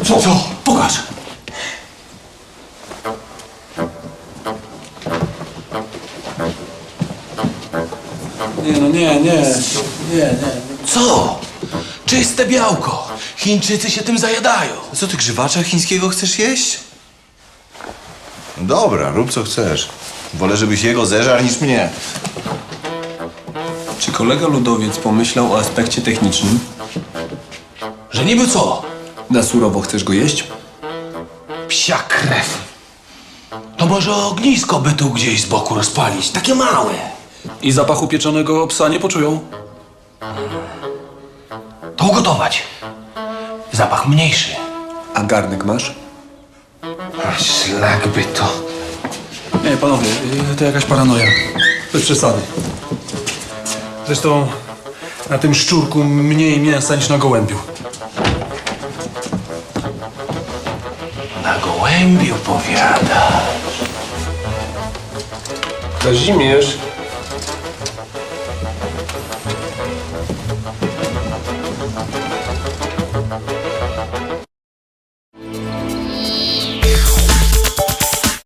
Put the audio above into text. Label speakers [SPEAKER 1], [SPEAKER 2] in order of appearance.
[SPEAKER 1] Co? Pokaż. Nie.
[SPEAKER 2] Co? Czyste białko. Chińczycy się tym zajadają.
[SPEAKER 3] Co ty grzywacza chińskiego chcesz jeść? Dobra, rób co chcesz. Wolę, żebyś jego zeżarł niż mnie.
[SPEAKER 1] Czy kolega ludowiec pomyślał o aspekcie technicznym?
[SPEAKER 2] Że niby co?
[SPEAKER 1] Na surowo chcesz go jeść?
[SPEAKER 2] Psia krew. To może ognisko by tu gdzieś z boku rozpalić. Takie małe.
[SPEAKER 4] I zapachu pieczonego psa nie poczują?
[SPEAKER 2] To ugotować. Zapach mniejszy.
[SPEAKER 1] A garnek masz?
[SPEAKER 2] A szlak by to.
[SPEAKER 4] Nie, panowie, to jakaś paranoja. Bez przesady. Zresztą na tym szczurku mniej mięsa niż na gołębiu.
[SPEAKER 2] Na gołębiu powiada.
[SPEAKER 5] Kazimierz,